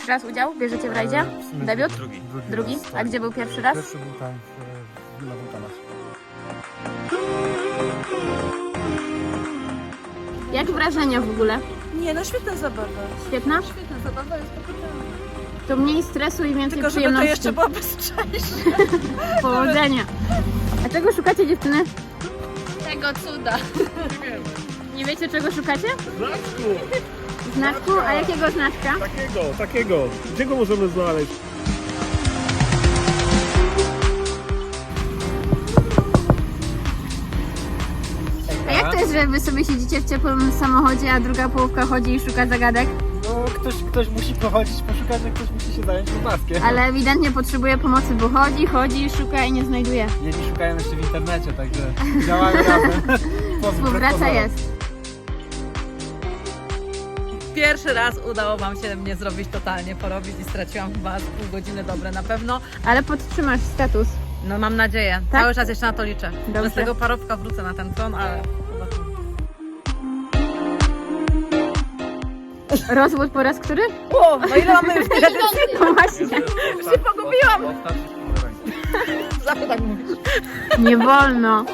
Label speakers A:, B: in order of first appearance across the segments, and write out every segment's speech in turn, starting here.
A: Pierwszy raz udział? Bierzecie w rajdzie? Debiut? Drugi?
B: raz,
A: A
B: tak.
A: gdzie był pierwszy raz?
B: Pierwszy był tam w Villa Vulcana.
A: Jak wrażenia w ogóle?
C: Nie, no świetna zabawa.
A: Świetna?
C: Świetna zabawa jest pokochana.
A: To mniej stresu i więcej
C: Tylko żeby to
A: przyjemności.
C: jeszcze było bezcześnie.
A: Powodzenia. A czego szukacie, dziewczyny?
C: Tego cuda.
A: Nie wiecie, czego szukacie?
D: Znaczku!
A: Znaczku? A jakiego znaczka?
D: Takiego. Gdzie go możemy znaleźć?
A: A jak to jest, że wy sobie siedzicie w ciepłym samochodzie, a druga połówka chodzi i szuka zagadek?
B: No ktoś musi pochodzić, poszukać, a ktoś musi się zająć maskiem.
A: Ale ewidentnie potrzebuje pomocy, bo chodzi, szuka i nie znajduje.
B: Jedni szukają jeszcze w internecie, także działamy razem.
A: Współpraca jest.
C: Pierwszy raz udało wam się mnie zrobić totalnie, porobić i straciłam chyba z pół godziny dobre na pewno.
A: Ale podtrzymasz status.
C: No mam nadzieję.
A: Tak?
C: Cały czas jeszcze na to liczę.
A: Dobrze.
C: Że z tego parowka wrócę na ten tron, ale zobaczymy.
A: Rozwód po raz który?
C: O, no ile mamy już tych
A: No właśnie.
C: Już się pogubiłam. Zawsze tak mówisz.
A: Nie wolno.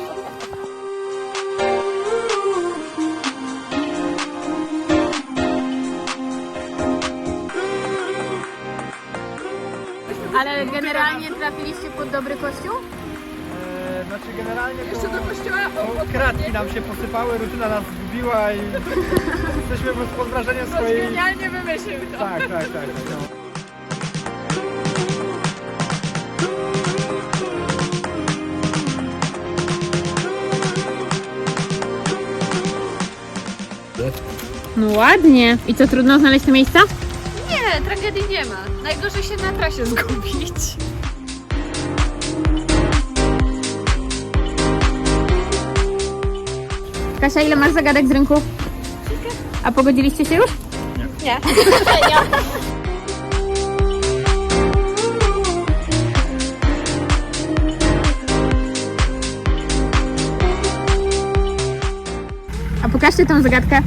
A: Ale generalnie trafiliście pod dobry kościół?
B: Znaczy generalnie to...
C: Jeszcze do kościoła.
B: Kratki nam się posypały, rutyna nas zgubiła i jesteśmy pod wrażeniem swojej...
C: Genialnie wymyślił to.
B: Tak. No.
A: No ładnie. I co, trudno znaleźć te miejsca?
C: Nie, tragedii nie ma. Najgorzej się na trasie zgubić.
A: Kasia, ile masz zagadek z rynku? A pogodziliście się już?
C: Nie.
A: A pokażcie tą zagadkę.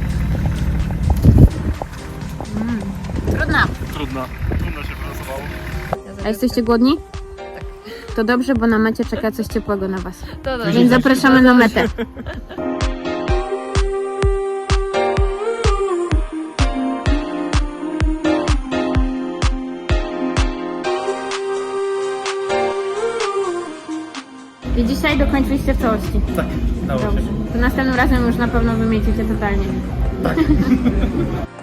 A: Trudna.
D: Trudno się wylosowało.
A: A jesteście głodni? To dobrze, bo na mecie czeka coś ciepłego na was.
C: To dobrze.
A: Więc zapraszamy na metę. I dzisiaj dokończyliście w całości.
B: Tak, dało się.
A: Dobrze. To następnym razem już na pewno wymiecicie totalnie.